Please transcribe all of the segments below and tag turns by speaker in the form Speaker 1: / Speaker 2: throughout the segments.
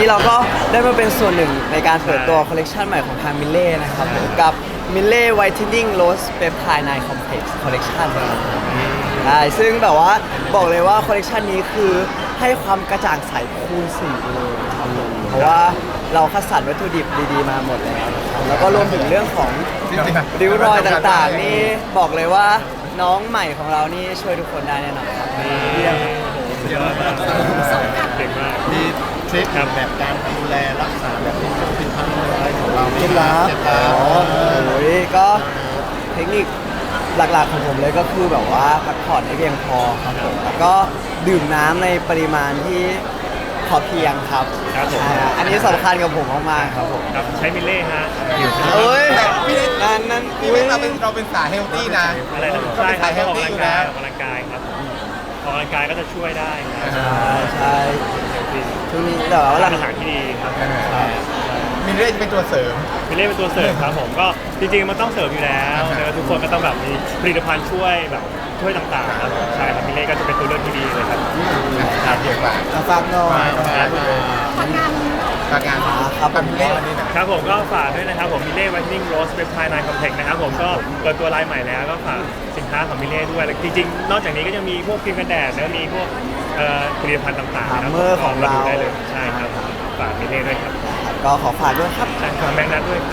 Speaker 1: เราก็ได้มาเป็นส่วนหนึ่งในการเปิดตัวคอลเลกชันใหม่ของทางมิลเล่นะครับกับมิลเล่ไวท์เทนนิ่งโรสเปปไทด์ไนท์คอมเพล็กซ์คอลเลกชันนะครับใช่ซึ่งแบบว่าบอกเลยว่าคอลเลกชันนี้คือให้ความกระจ่างใสคูณ4เลยครับผมเพราะว่าเราคัดสรรวัตถุดิบดีๆมาหมดแล้วนะครับแล้วก็รวมถึงเรื่องของริ้วรอยต่างๆนี่บอกเลยว่าน้องใหม่ของเรานี่ช่วยทุกคนได้แน่นอนครับ
Speaker 2: เก่งมาก
Speaker 3: มีทริคแบบการดูแลรักษาแบบนี้ผิดพลาดอะไรของเรา
Speaker 1: เคล็ดลับอ๋อโอ้ยก็เทคนิคหลักๆของผมเลยก็คือแบบว่าพักผ่อนให้เพียงพอครับผมแล้วก็ดื่มน้ำในปริมาณที่พอเพียงครับ
Speaker 2: ครับผม
Speaker 1: ใช่อันนี้สำคัญกับผมมากๆครับผม
Speaker 2: ครับใช้มิลเล่ฮะ
Speaker 1: เอ้ย
Speaker 3: พี่เล็ก
Speaker 1: นั่น
Speaker 3: พี่เล็กเราเป็นสายเฮลตี้นะ
Speaker 2: อะไรนะ
Speaker 3: ก็
Speaker 2: ใช่
Speaker 3: เป็น
Speaker 2: ครั
Speaker 3: สา
Speaker 2: บ
Speaker 3: ยเฮ
Speaker 2: ก็
Speaker 3: ล
Speaker 2: ออก
Speaker 3: ตี้
Speaker 2: กำลั
Speaker 3: อง ยู่
Speaker 2: กาย
Speaker 3: แล้ว
Speaker 2: ออกกำลังกายครับออกกำลังกายก็จะช่วยได้ครับ
Speaker 1: ใช่ช่วงนี้แต่ว่าหลั
Speaker 2: ร้าง นอาหารที่ดีครับ
Speaker 3: มินเล่เป็นตัวเสริม
Speaker 2: มิลเล่เป็นตัวเสริมครับผมก็จริงๆมันต้องเสริมอยู่แล้วแล้วทุกคนก็ต้องแบบมีผลิตภัณฑ์ช่วยแบบช่วยต่างๆครับใช่ครับมิลเล่ก็จะเป็นตัวเลือกที่ดีเลยครับ
Speaker 3: เกี่ยวกับ
Speaker 1: ฟังหน่อย
Speaker 3: การงาน
Speaker 1: ครับ
Speaker 3: กับมินเล่วันนี้นะครับ
Speaker 2: ผมก็ฝากด้วยนะครับผมมิลเล่ไวท์เทนนิ่งโรสเปปไทด์ไนท์คอมเพล็กซ์นะครับผมก็เปิดตัวไลน์ใหม่แล้วก็ฝากสินค้าของมิลเล่ด้วยแล้วจริงๆนอกจากนี้ก็ยังมีพวกครีมกันแดดแล้วมีพวกผลิตภัณฑ์ต่างๆนะครั
Speaker 1: เมอร์ของเรา
Speaker 2: ดูได้เลยใช่ครับฝากมิลเล่ด้วยครับ
Speaker 1: ก็ขอฝากด้วยครับ
Speaker 2: ใช่ฝากแบงค์นัทด้วยครับ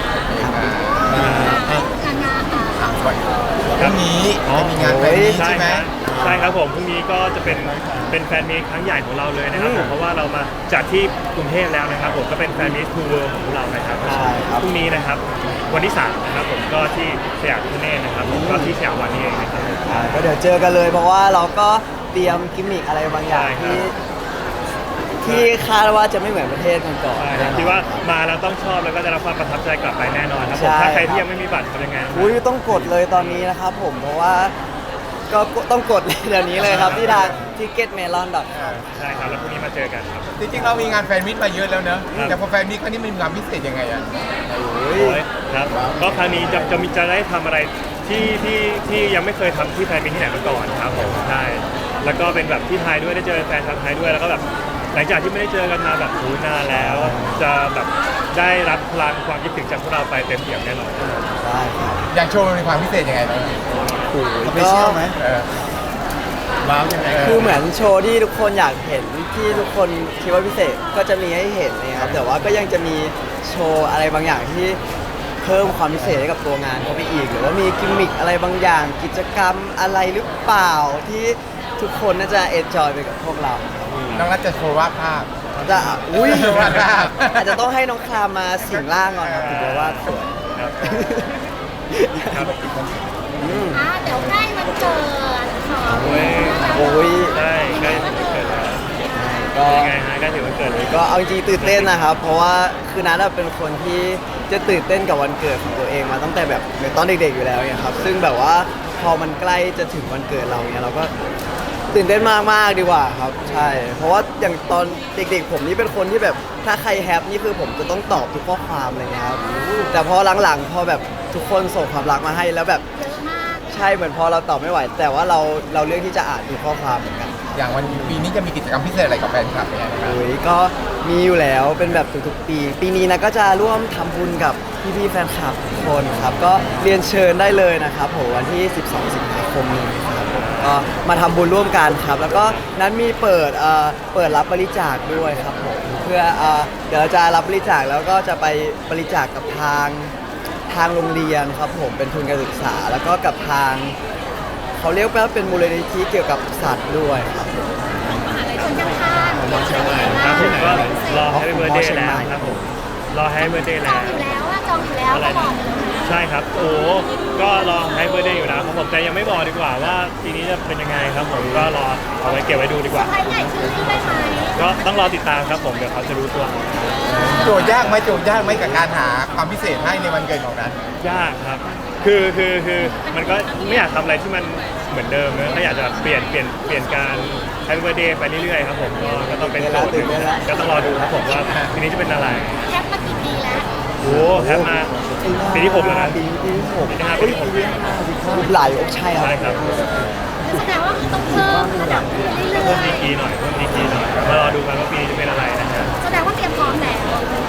Speaker 3: ก่อนพรุ่งนี้จะมีงานแฟนมีต
Speaker 2: ใช่
Speaker 3: ใช่ไหม
Speaker 2: ครับใช่ครับผมพรุ่งนี้ก็จะเป็นแฟนมีตครั้งใหญ่ของเราเลยนะครับผมเพราะว่าเรามาจัดที่กรุงเทพแล้วนะครับผมก็เป็นแฟนมีตทัวร์ของเรานะครับ
Speaker 1: ใช่ครับ
Speaker 2: พรุ่งนี้นะครับวันที่3นะครับผมก็ที่สยามพิคเนตนะครับผมก็ที่สยามวันนี้เองนะครับ
Speaker 1: ก็เดี๋ยวเจอกันเลยเพราะว่าเราก็เตรียมกิมมิคอะไรบางอย่าง
Speaker 2: ใช่ครับ
Speaker 1: ที่คาดว่าจะไม่เหมือนประเทศก่อน
Speaker 2: ใช่
Speaker 1: ๆ
Speaker 2: ครับ
Speaker 1: แน่นอน
Speaker 2: ที่ว่ามาแล้วต้องชอบแล้วก็ได้รับความประทับใจกลับไปแน่นอนครับผม
Speaker 1: ใช่
Speaker 2: ถ้าใคร
Speaker 1: ครับ
Speaker 2: ที่ยังไม่มีบัตรทำยังไง
Speaker 1: อุ้ยต้องกดเลยตอนนี้นะครับผมเพราะว่าก็ต้องกดเลยเดี๋ยวนี้เลยครับที่ทาง ticketmelon.com
Speaker 2: ใช่ครับแล้วพรุ่งนี้มาเจอกันครับ
Speaker 3: จริงๆเรามีงานแฟนมิตมาเยอะแล้วเนอะ
Speaker 2: ครับ
Speaker 3: แต่พอแฟนมิตครั้งนี้มันมีความพิเศษยังไงอ่ะ
Speaker 1: โอ้
Speaker 2: โอ้
Speaker 1: ย
Speaker 2: ยครับก็ครั้งนี้จะได้ทำอะไรที่ยังไม่เคยทำที่ไทยมีที่ไหนมาก่อนครับผมใช่แล้วก็เป็นแบบที่ไทยด้วยได้เจอแฟนชาวไทยด้วยแล้วก็แบบหลังจากที่ไม่ได้เจอกันมาแบบนานแล้ว จะแบบได้รับพลังความคิดถึงจากพวกเราไปเต็มเปี่ยมแน่นอน
Speaker 1: ได้ครับ
Speaker 3: อย่างโชว์มันมีความพิเศษยังไงบ้าง
Speaker 1: โอ้ย
Speaker 3: สเป
Speaker 1: ก็
Speaker 3: เชียลไหมว้าวยังไง
Speaker 1: คือเหมือนโชว์ที่ทุกคนอยากเห็นที่ทุกคนคิดว่าพิเศษก็จะมีให้เห็นนะครับแต่ว่าก็ยังจะมีโชว์อะไรบางอย่างที่เพิ่มความพิเศษให้กับตัวงานเข้าไปอีกหรือว่ามีกิมมิคอะไรบางอย่างกิจกรรมอะไรหรือเปล่าที่ทุกคนน่าจะเอนจอยไปกับพวกเรา
Speaker 3: น้องรัฐจะโชว์วาดภาพ
Speaker 1: จะอุ้ย
Speaker 3: วาดภาพ
Speaker 1: อาจจะต้องให้น้องครามมาสิงร่างก่อนครับถึงจะวาดสวย
Speaker 2: ครับครับ
Speaker 4: เดี๋ยวใกล้วันเกิดของ
Speaker 2: โอ้ย
Speaker 1: โอ้ย
Speaker 2: ได้ใกล้ถึงวันเกิดแล้ว
Speaker 1: ก็
Speaker 2: ยังไงฮะใกล้ถึงวันเกิดเลย
Speaker 1: ก็เอาจริงๆตื่นเต้นนะครับ เพราะว่าคือนัทเป็นคนที่จะตื่นเต้นกับวันเกิดของตัวเองมาตั้งแต่แบบตอนเด็กๆอยู่แล้วเนี่ยครับซึ่งแบบว่าพอมันใกล้จะถึงวันเกิดเราเนี่ยเราก็ตื่นเต้นมากๆดีกว่าครับใช่ เพราะว่าอย่างตอนเด็กๆผมนี่เป็นคนที่แบบถ้าใครแฮปนี่คือผมจะต้องตอบทุกข้อความอะไรเงี้ยครับแต่พอหลังๆพอแบบทุกคนส่งความรักมาให้แล้วแบบ
Speaker 4: เยอะมาก
Speaker 1: ใช่เหมือนพอเราตอบไม่ไหว แต่ว่าเราเลือกที่จะอ่านทุกข้อความเหมือนกัน
Speaker 3: อย่างวันปีนี้จะมีกิจกรรมพิเศษอะไรกับแฟนคลับไหมครับ
Speaker 1: โอ้ยก็มีอยู่แล้วเป็นแบบทุกๆปี ปีนี้นะก็จะร่วมทำบุญกับพี่ๆแฟนคลับทุกคนครับก็เรียนเชิญได้เลยนะครับผมวันที่ 12 สิงหาคมนี้ครับผมก็มาทำบุญร่วมกันครับ แล้วก็นั้นมีเปิดรับบริจาคด้วยครับผมเพื่อเดี๋ยวเราจะรับบริจาคแล้วก็จะไปบริจาคกับทางโรงเรียนครับผมเป็นทุนการศึกษา แล้วก็กับทางเขาเรียกว่าเป็นมูลนิธิเกี่ยวกับสัตว์ด้วยครับ
Speaker 4: มหาลัยชนข้างๆ
Speaker 2: ครับผมก็รอให้เบอร์เดย์แล้วครับผมรอให้เบอร์เดย์
Speaker 4: จ
Speaker 2: แล้
Speaker 4: อง
Speaker 2: ว
Speaker 4: อยู่แล้วว่าจองอยู่แล้วก็บอกเลย
Speaker 2: ใช่ครับโอ้ก็รอให้เบอร์เดย์อยู่นะครับผมแต่ยังไม่บอกดีกว่าว่าทีนี้จะเป็นยังไงครับผมก็รอเอาไว้เก็บไว้ดูดีกว่า
Speaker 4: ใครใหญ่ชื่อได้ไหม
Speaker 2: ก็ต้องรอติดตามครับผมเดี๋ยวเขาจะรู้ตัว
Speaker 3: โจทย์ยากไหมกับการหาความพิเศษให้ในวันเกิดของนั้น
Speaker 2: ยากครับคือมันก็ไม่อยากทำอะไรที่มันเหมือนเดิมนะก็อยากจะเปลี่ยนการให้เบอร์เดย์ไปเรื่อยๆครับผมก็ต้องเป็นโจทย์หนึ่งก็ต้องรอดูครับผมว่าทีนี้จะเป็นอะไร
Speaker 4: แคปมากี่ปีแล้ว
Speaker 2: โอ้แฮปมาปีที่6แล้วนะ
Speaker 1: ปีที่หก
Speaker 2: ปีที่ห้าปีที่หก
Speaker 1: หลายอกใช่ครับ
Speaker 2: ใช่ครับ
Speaker 4: แสดงว่าต้องเพิ่มระดับขึ้นเรื่
Speaker 2: เพิ่ม
Speaker 4: อ
Speaker 2: ดี
Speaker 4: ย
Speaker 2: กรีหน่อยมารอดูกันว่าปีนี้จะเป็นอะไรนะฮะ
Speaker 4: ๆแสดงว่าเตรียม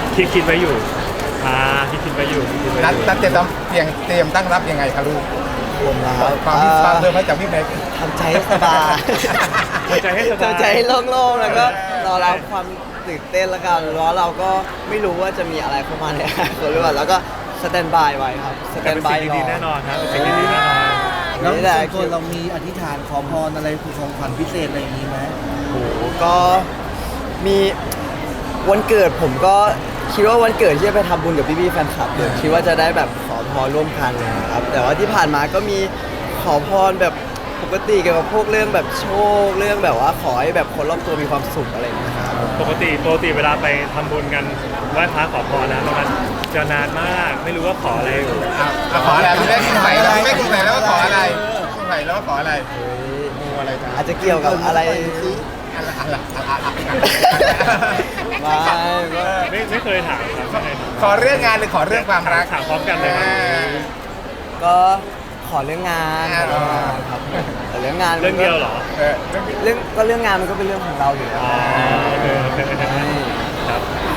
Speaker 2: คิดไว้อยู่คิดไว้อยู่คิดไว้
Speaker 3: นัด
Speaker 2: อยู่
Speaker 3: นัดเตรียมตั้งรับยังไงครับลูก
Speaker 1: ผมนะค
Speaker 3: ความที่ฟังเริ่มมาจากพี่แม็ก
Speaker 1: ทำใจให้สบาย
Speaker 2: ทำใจให้สบาย
Speaker 1: ทำใจให้โล่งๆแล้วก็รอรับความตื่นเต้นแล้วกันเพราะเราก็ไม่รู้ว่าจะมีอะไรเข้ามาในอนาคตหรือเปล่าแล้วก็สแตนบายไว้ครับสแต
Speaker 2: แต่
Speaker 1: น
Speaker 2: เป็น
Speaker 1: บาย
Speaker 2: สิ่ง
Speaker 1: ร
Speaker 2: ดี
Speaker 1: อ
Speaker 2: ๆแน่นอนครับเป็นสิ่งดีๆแน่นอน
Speaker 5: แล้ว
Speaker 1: นี่แหละ
Speaker 5: ส่วนตัวเรามีอธิษฐานขอพรอะไรคือของขวัญพิเศษอะไรอย่างนี้ไหม
Speaker 1: โอ้โหก็มีวันเกิดผมก็คิดว่าวันเกิดที่จะไปทำบุญกับพี่ๆแฟนคลับเลยคิดว่าจะได้แบบขอพรร่วมกันนะครับแต่ว่าที่ผ่านมาก็มีขอพรแบบปกติเกี่ยวกับพวกเรื่องแบบโชคเรื่องแบบว่าขอให้แบบคนรอบตัวมีความสุขอะไรอย่างเงี้ยครับ
Speaker 2: ปกติเวลาไปทำบุญกันไหว้พระขอพรนะตรงนั้นจะนานมากไม่รู้ว่าขออะไร
Speaker 3: ขออะไรพี่แม็กคุณใส่แล้วพี่แม็กคุณใส่แล้วว่าขออะไรคุณใส่แล้วว่าขออะไรงูอะไรกัน
Speaker 1: อาจจะเกี่ยวกับอะไร
Speaker 2: ไม่เคยถามครับไม่เคยถาม
Speaker 3: ขอเรื่องงานหรือขอเรื่องความรัก
Speaker 2: ถามพร้อมกันเลยครับ
Speaker 1: ก็ขอเรื่องงานครับแต่เรื่องงาน
Speaker 2: เรื่องเดียวเหรอ
Speaker 1: เรื่องงานมันก็เป็นเรื่องของเราอยู่แล้ว
Speaker 2: อ๋อโอเคครับ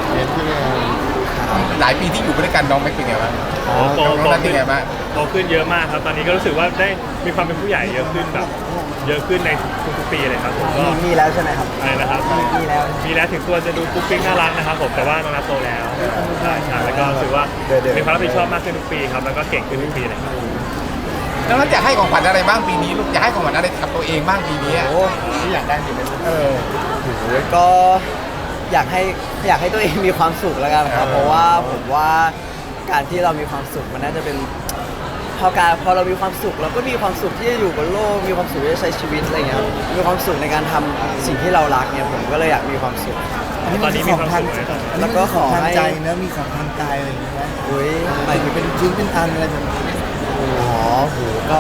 Speaker 3: หลายปีที่อยู่ด้วยกันน้องแม็กเป็นไงบ้าง
Speaker 2: โต
Speaker 3: น้องนัทเป็นไงบ้าง
Speaker 2: โตขึ้นเยอะมากครับ ตอนนี้ก็รู้สึกว่าได้มีความเป็นผู้ใหญ่เยอะขึ้นแบบเยอะขึ้นในทุกๆปีเลยครับผมก็
Speaker 1: มีแล้วใช่ไหมครับ
Speaker 2: อะไรนะครับ
Speaker 1: มีแล้ว
Speaker 2: มีแล้วถึงตัวจะดูปุ๊กปิ๊กน่ารักนะครับผมแต่ว่าน้องนัทโตแล้วใช่แล้วก็รู้สึกว่ามีความรับผิดชอบมากขึ้นทุกปีครับแล้วก็เก่งขึ้นทุกปีเลยครับ
Speaker 3: น้องนัทอยากให้ของขวัญอะไรบ้างปีนี้ลูกอยากให้ของขวัญอะไรกับตัวเองบ้างปีนี้
Speaker 1: โอ้
Speaker 3: ที่อยากได้ปีนี้
Speaker 1: ก็อยากให้ตัวเองมีความสุขแล้วกันครับเพราะว่าผมว่าการที่เรามีความสุขมันน่าจะเป็นพอเรามีความสุขเราก็มีความสุขที่จะอยู่บนโลกมีความสุขที่จะใช้ชีวิตอะไรเงี้ยมีความสุขในการทำสิ่งที่เรารักเนี่ยผมก็เลยอยากมีความสุข
Speaker 2: ตอนนี้มีความสุขไหม
Speaker 1: แล้วก็ขอให้
Speaker 5: ทางใจแล้วมีของทางกายอะไรอย่างนี้ไหม
Speaker 1: อุ้ย
Speaker 5: หมายถึงเป็นชิ้นเป็นอันอะไรแบบนี้
Speaker 1: อ๋อโหก็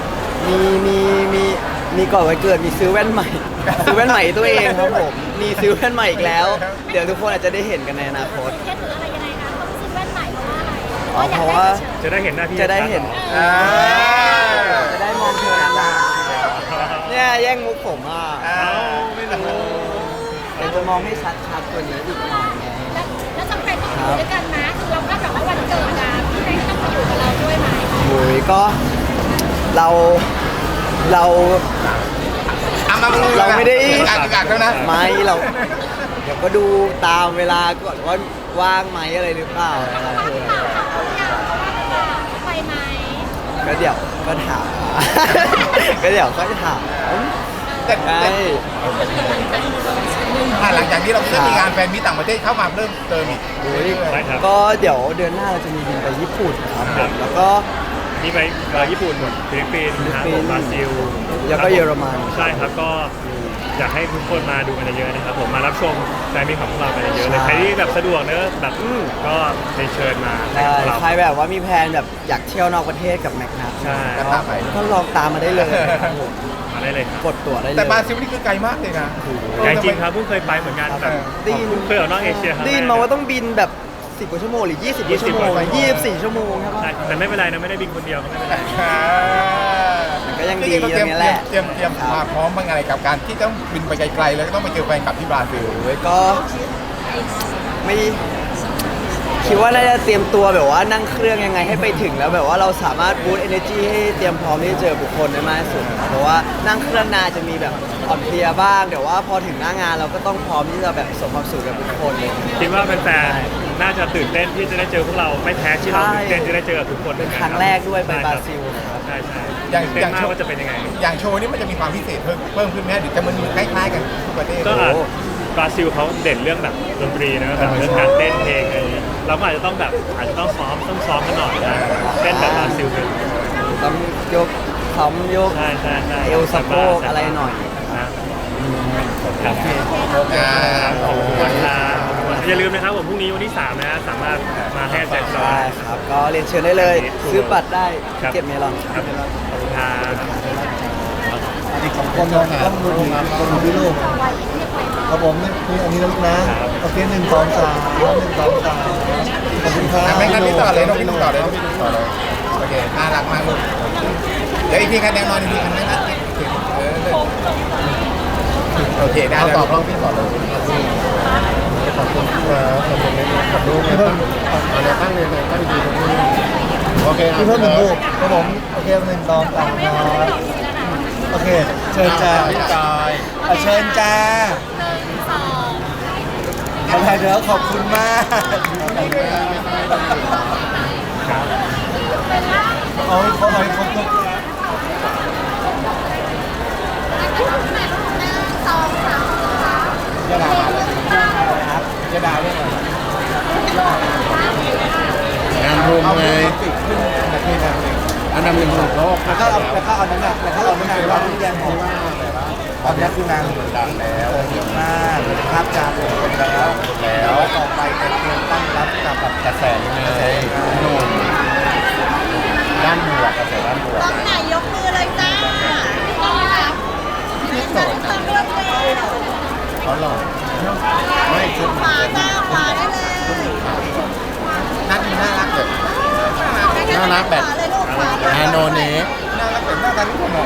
Speaker 1: มีก่อนวันเกิดมีซื้อแว่นใหม่ ซื้อแว่นใหม่ตัวเองครับผมมีซื้อแว่นใหม่อีกแล้ว เดี๋ยวทุกคนอาจจะได้เห็นกันในอนาคต
Speaker 4: เคสหรืออะไรยังไงคะต้องซื้อแว่นใหม่เพราะว่าอะไร
Speaker 1: อ๋อเพราะว่า
Speaker 2: จะได้เห็นหน้าพี่
Speaker 1: จะได้เห็น
Speaker 3: อ่า
Speaker 1: จะได้มองเธอนานๆเนี่ยแย่งมุกผมอ่ะ
Speaker 2: ไม่รู้
Speaker 1: เดี๋ยวจะมองให้ชัดๆกว่านี้อีกหน่อยไง
Speaker 4: แล้วจำเป็นต้องอยู่ด้วยกันนะคือเราก็แบบว่าวันเกิดอะพี่แม็กต้องมาอยู่กับเราด้วยไหม
Speaker 1: โอ้ยก็เรา
Speaker 3: เอามา
Speaker 1: เราไม่ได้
Speaker 3: กักแล้วนะ
Speaker 1: ไม่เราเดี๋ยวก็ดูตามเวลาก่อนว่าว่างไหมอะไรหรือเปล่านะครับ
Speaker 4: เขาอยากไปไหม
Speaker 1: ก็เดี๋ยวก็ถาม ก็เดี๋ยวก็ถาม
Speaker 3: แต่
Speaker 1: ใช่
Speaker 3: หลังจากนี้เราจะมีงานแฟนมิตรต่างประเทศเข้ามาเริ่มเติมอีก
Speaker 2: ใช่ครับ
Speaker 1: ก็เดี๋ยวเดือนหน้าเราจะมีบินไปญี่ปุ่นครับผมแล้วก็
Speaker 2: มีไปญี่ปุ่นฟิลิปปินส์นะครับผมบราซิล
Speaker 1: แล้วก็เยอรมัน
Speaker 2: ใช่ครับก็อยากให้ทุกคนมาดูกันเยอะๆนะครับผมมารับชมแฟนมีของพวกเรากันเยอะๆเลยใครที่แบบสะดวกเนอะแบบก็เรียนเชิญมาให้
Speaker 1: ใช่
Speaker 2: พวกเรา
Speaker 1: ใครแบบว่ามีแพลนแบบอยากเที่ยวนอกประเทศกับแม็กนัท
Speaker 2: ใช่
Speaker 3: ก็ตามไป
Speaker 1: ก็ลองตามมาได้เลยครับผม
Speaker 2: มาได้เลยครับ
Speaker 1: กดตั๋วได้เลย
Speaker 3: แต่บราซิลนี่คือไกลมากเลยนะ
Speaker 2: ใหญ่จริงครับเพิ่งเคยไปเหมือนกันแบบ
Speaker 1: ได้ยิน
Speaker 2: เคยออกนอกเอเชียครั้งแรก
Speaker 1: ได้ยินมาว่าต้องบินแบบ10กว่าชั่วโมงหรือ20กว่าชั่วโมง
Speaker 2: 20กว่าชั่วโมง
Speaker 1: 24ชั่วโมงใช่ปะ
Speaker 2: ใช่แต่ไม่เป็นไรนะไม่ได้บินคนเดียวก็ไม่เป็นไร
Speaker 1: ก็ยังดี
Speaker 3: เรา
Speaker 1: อย่างเงี้ยแหละ
Speaker 3: เตรียมมาพร้อมบ้างอะไรกับการที่ต้องบินไปไกลๆแล้วก็ต้องไปเจอแฟนคลับที่บราซิล
Speaker 1: โอ้ยก็ไม่คิดว่าน่าจะเตรียมตัวแบบว่านั่งเครื่องยังไงให้ไปถึงแล้วแบบว่าเราสามารถบูตเอเนจีให้เตรียมพร้อมที่จะเจอบุคคลได้มากที่สุดเพราะว่านั่งเครื่องนานจะมีแบบอ่อนเพลียบ้างแต่ว่าพอถึงหน้างานเราก็ต้องพร้อมที่จะแบบสมความสุขกับทุกคนเลย
Speaker 2: คิดว่าแฟนๆน่าจะตื่นเต้นที่จะได้เจอพวกเราไม่แพ้ที่เราตื่นเต้นที่ได้เจอกับทุกคน
Speaker 1: เป็นครั้งแรกด้วยไปบราซิลครับ
Speaker 2: ใช่ใช่
Speaker 3: อย่าง
Speaker 2: ตื่นเต้นมาก
Speaker 3: อย่าง
Speaker 2: ว่าจะเป็นยังไง
Speaker 3: อย่างโชว์นี่มันจะมีความพิเศษเพิ่มขึ้นไหมหรือจะมันคล้ายๆกันทุกประเทศ
Speaker 2: ก็อาจบราซิลเขาเด่นเรื่องแบบดนตรีนะแบบเรื่องการเต้นเพลงอะไรอย่างเงี้ยเราก็อาจจะต้องแบบอาจจะต้องซ้อมกันหน่อยนะเต้นแบบบราซิลเป็น
Speaker 1: ต้องยกซ้อมยก
Speaker 2: ใช่ใช่ใช่
Speaker 1: เอวสะโพกอะไรหน่อย
Speaker 2: นะ
Speaker 1: โอเค
Speaker 3: อ่า
Speaker 2: ขอบคุณครับอย่าลืมนะครับผมพรุ่งนี้วันที่3นะสามารถมาให้แจกจอ
Speaker 1: ได้
Speaker 2: ย
Speaker 1: ครับก็เรียนเชิญได้เลย ซื้อบัตรได้
Speaker 2: ครับ
Speaker 1: เก็บเมลอน
Speaker 2: ครับขอบคุณครับ
Speaker 5: อีก2คนลองต้องดูดีคนดูที่ลูกครับผมนี่อันนี้นะลูกนะโอเค1 2 3 1 2 3ขอบคุณครับ
Speaker 3: ไม่งั้นพี่ต่อเลยน้องพี่ต่อเลยโอเคน่ารักมากลูกเดี๋ยวอีกทีคะแนนนอนอีกทีคะแนนนะโอเคได้แล้วตอบรอบพี่ต่อเลยขอบคุณครับขอบคุณขอบคุณเค
Speaker 5: พี่เพิ่มหนึ่งรูปครับผมโอเคหนึ่งสองสามครับโอเคเชิญจ้า
Speaker 3: พี่จอย
Speaker 5: เชิญจ้า
Speaker 4: สอง
Speaker 5: อะไรเดี๋ยวขอบคุณมากเอาให้เขาเอาให้ครบทุก
Speaker 4: สองสาม
Speaker 3: จะด่ามาเลยครับจะด่าได้ไหมงานรุมไงอันดับหนึ่งของโลก
Speaker 5: แล้วก็เอานั้นน่ะแล้วก็เอานั้นน่ะเราที่แยกของตอนนี้คือนางดังแล้วเยอะมากภาพจำแล้วต่อไปจะเตรียมตั้งรับกับแบบ
Speaker 3: กระแสยังไงหนุ่มด้านบวกกระแสด้านบวก
Speaker 4: ต้องไหนยกมือเลยจ้าต้องครับ
Speaker 3: ที่โสด
Speaker 4: ต้องเลือกเลย
Speaker 3: เขาหล่อไม่ชุด
Speaker 4: ขวาจ้าขวาได้เลย
Speaker 3: นัดนี้น่ารักแบบน่ารักแบบ
Speaker 4: ขวาเลยลูกขวาเลย
Speaker 3: อาโนเนะน่ารักแบบน่ารักที่ผมบอก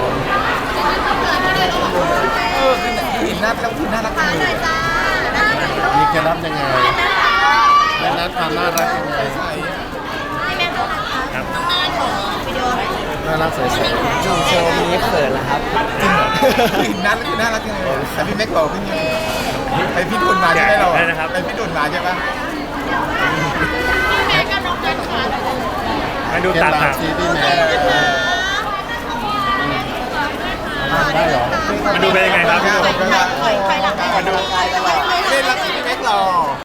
Speaker 3: คือหน้าแล้วคือน่ารัก
Speaker 4: ขวาหน่อยจ้าหน้าหน่อยลูก
Speaker 3: มีเคล็ดลับยังไงเคล็ดลับความน่ารักยังไง
Speaker 4: ให้แม่ดูนะคะ
Speaker 2: ครับ
Speaker 4: วิดีโอหน่อย
Speaker 3: น่ารักใส
Speaker 1: ช่วงโชว์นี้เขินนะครับ
Speaker 3: ๆจริงเหรอคือหน้าแล้วคือน่ารักยังไงแต่พี่แม็กบอกพี่นี่ไปพี่ดุนมาใช่ไหมเราไปพี่ดุนมาใช่ปะ
Speaker 4: แม่กับน้องกันขวาเลย
Speaker 2: มาดู
Speaker 3: เคล็ด
Speaker 2: ตา
Speaker 3: ลั
Speaker 2: ตา
Speaker 3: บที่พี่แม็กได้เหรอ
Speaker 2: มาดูเป็นยังไงครับพี่โดม
Speaker 4: ใครหลังได้
Speaker 3: มาดูเคล็ดลับที่พี่แม็กหล่อ